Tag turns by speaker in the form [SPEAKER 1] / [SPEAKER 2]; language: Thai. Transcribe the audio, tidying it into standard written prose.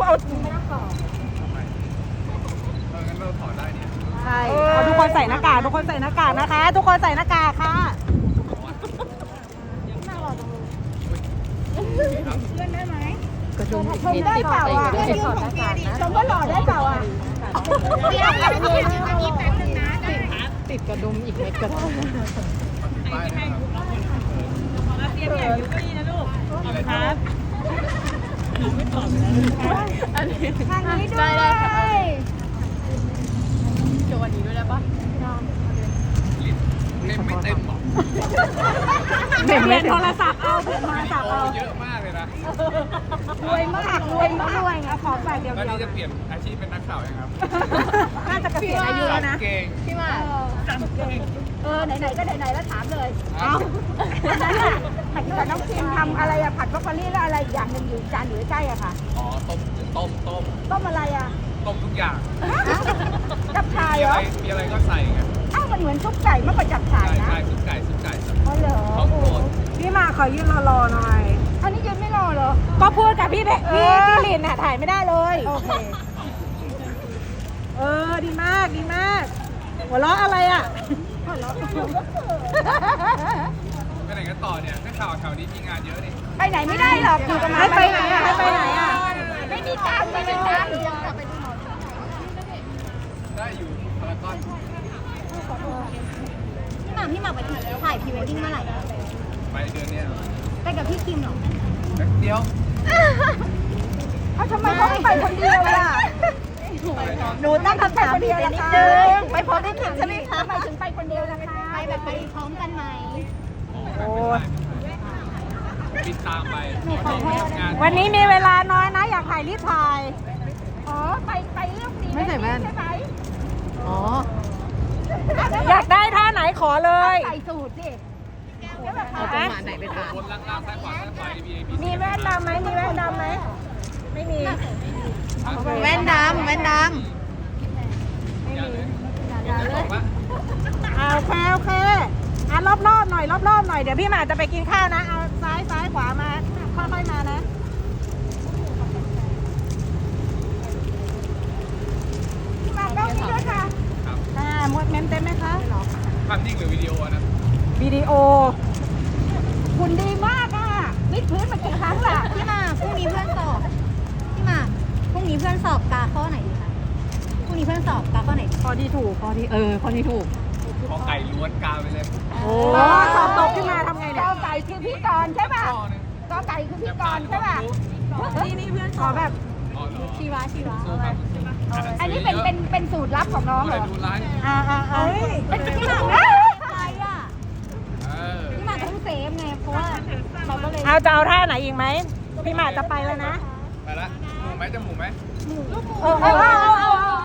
[SPEAKER 1] ไม่ต้องต่อ
[SPEAKER 2] งั้นเราถอดได้เนี่ย
[SPEAKER 3] ใช่เอาทุกคนใส่หน้ากากทุกคนใส่หน้ากากนะคะ ทุกคนใส่หน้ากากค่ะ
[SPEAKER 1] เพื่อนได้ไหม
[SPEAKER 3] กระดุม
[SPEAKER 1] ชมได้เปล่าอ่ะชมว่าหล่อได้เปล่าอ่ะเดี๋ยวอันนี้แป๊บนึงนะได้
[SPEAKER 3] ติดกระดุมอีกเม็ดก็ได้
[SPEAKER 2] ได้นะครับ
[SPEAKER 3] เตรียมใหญ่ยุ้ยนะลูกครับ
[SPEAKER 1] ทางนี้ด้วย
[SPEAKER 3] โชว์วันนี้ด้วยได้ปะ
[SPEAKER 2] ลิ้นไม่เต็มหรอก
[SPEAKER 3] เปลี่ยนโทรศัพท์เอาเปลี่ยนโทรศัพท์เอา
[SPEAKER 2] เยอะมากเลยนะ
[SPEAKER 1] รวยมากรวยมากรวยอ่ะขอฝากเดียว
[SPEAKER 2] ตอน
[SPEAKER 1] เดียว
[SPEAKER 2] นี้จะเปลี่ยนอาชีพเป็นนักข่าวยังครับ
[SPEAKER 3] น่าจะเกษียณอายุแล้วนะ
[SPEAKER 2] เก่ง
[SPEAKER 3] พี่มา
[SPEAKER 1] ไหนๆก็ไหนๆแล้วถามเลย
[SPEAKER 2] เอา
[SPEAKER 1] วันนั้นอ่ะผัดกับน้องพิมทำอะไรอ่ะผัดบรอกโคลี่แล้วอะไรอย่างหนึ่งอยู่จานอยู่ใกล้ๆอะค่ะ
[SPEAKER 2] อ๋อต้ม
[SPEAKER 1] ต้มอะไรอ่ะ
[SPEAKER 2] ต้มทุกอย่าง
[SPEAKER 1] จับฉ่าย
[SPEAKER 2] มี
[SPEAKER 1] เหร
[SPEAKER 2] อะ
[SPEAKER 1] อ
[SPEAKER 2] ไรมีอะไรก็ใส่ไง
[SPEAKER 1] อ้าวมันเหมือนซุปไก่มากกว่าจับฉ่าย
[SPEAKER 2] ใช่
[SPEAKER 1] นะ
[SPEAKER 2] ใช่ซุปไก่
[SPEAKER 1] อ๋อเหรอ
[SPEAKER 2] ของโปรด
[SPEAKER 3] พี่มาขอยืนรอหน่อย
[SPEAKER 1] อันนี้ยืนไม่รอเหรอ
[SPEAKER 3] ก็พูดกับพี่ลินน่ะถ่ายไม่ได้เลย
[SPEAKER 1] โอเค
[SPEAKER 3] ดีมากดีมาก หัวเราะอะไรอ่ะ
[SPEAKER 2] ไปไหนกันต่อเนี่ยนักข่าวแถวนี้มีงานเยอะนี่
[SPEAKER 1] ไปไหนไม่ได้หรอกอยู่กับมา
[SPEAKER 3] ให้ไปไหนอะให้ไปไหนอะ
[SPEAKER 1] ไม่มีตังค์ไม่มีตังค์
[SPEAKER 2] ได้อยู่พารากอน
[SPEAKER 1] พี่หมากไปถ่ายพรีเวดดิ้งเมื่อไหร่
[SPEAKER 2] ไปเดือนเนี้ย
[SPEAKER 1] ไปกับพี่คิมเหรอ
[SPEAKER 2] แป๊บเดียว
[SPEAKER 1] ทำไมเขาไม่ไปคนเดียวล่ะ
[SPEAKER 3] หนูตั้งคำถามผิดไปนิดนึงไปพร้อมพี่คิมใช่ไหมคะ
[SPEAKER 1] ทำไมถึงไปคนเดียวนะคะไปแบบไปพร้อมกันไหม
[SPEAKER 2] โอ้ยบินตามไปงาน
[SPEAKER 3] วันนี้มีเวลาน้อยนะ อยากถ่ายรีบถ่าย
[SPEAKER 1] อ๋อไปเรื่องนี้
[SPEAKER 3] ไม่ใส่แว่น
[SPEAKER 1] ใช่ไหม
[SPEAKER 3] อ๋อ อยากได้ท่าไหนขอเลย
[SPEAKER 1] ใส่สูตรสิ
[SPEAKER 3] เอาจังหวะไหนไปถ่าย
[SPEAKER 2] บนล่างซ้ายขวาซ้ายขวา VIP
[SPEAKER 3] มีแว่นดำไหมมีแว่นดำไหมไม่มี
[SPEAKER 1] แว่นดำแว่นด
[SPEAKER 2] อย่าเลยจะบอกว่า
[SPEAKER 3] โอเคโอเคอ่ะรอบๆหน่อยรอบๆหน่อยเดี๋ยวพี่หมาจะไปกินข้าวนะเอาซ้ายขวามาค่อยๆมานะ
[SPEAKER 1] ำมาต้องนี้ด้วยค่ะ
[SPEAKER 2] ครับ
[SPEAKER 3] หมดเมมเต็มไหมคะ
[SPEAKER 2] ภาพนิ่งหรือวิดีโอนะ
[SPEAKER 3] วิดีโอ
[SPEAKER 1] คุณดีมากอ่ะวิดพื้นมากี่ครั้งล่ะ
[SPEAKER 4] พี่หมากพรุ่งนี้เพื่อนสอบพี่หมากพรุ่งนี้เพื่อนสอบกาข้อไหนดีคะพรุ่งนี้เพื่อนสอบกาข้อไหนดี
[SPEAKER 3] ข้อที่ถูกข้อที่ข้อที่ถูก
[SPEAKER 2] ขอไก่ล้วนกาไปเลย
[SPEAKER 3] โอ้สอบตกขึ้นมาทำไง
[SPEAKER 1] ก
[SPEAKER 3] เนี่ย
[SPEAKER 1] อไก่คือพี่กรณ์ใช่ป่ะ
[SPEAKER 2] ข้อหนึง
[SPEAKER 1] กอไก่คือพี่กรณ์ใช่ป่ะ
[SPEAKER 3] นี่เพื่อนขอแบบ
[SPEAKER 2] อ๋อเหรอ
[SPEAKER 4] ชีวะ
[SPEAKER 2] สู้ครับสู้
[SPEAKER 1] อันนี้เป็นสูตรลับของน้องเหรอ
[SPEAKER 2] ดูไลฟ์
[SPEAKER 1] เป็นพี่หมาก
[SPEAKER 4] อะไรอ่ะ
[SPEAKER 2] เออ
[SPEAKER 4] พี่หมากต้องเซฟไงเพราะว่าเราก็เลย
[SPEAKER 3] เอาจะเอาท่าไหนอีกไหมพี่หมาจะไปแล้วนะ
[SPEAKER 2] ไปละหมูไหมจะหมูไหม
[SPEAKER 3] เอา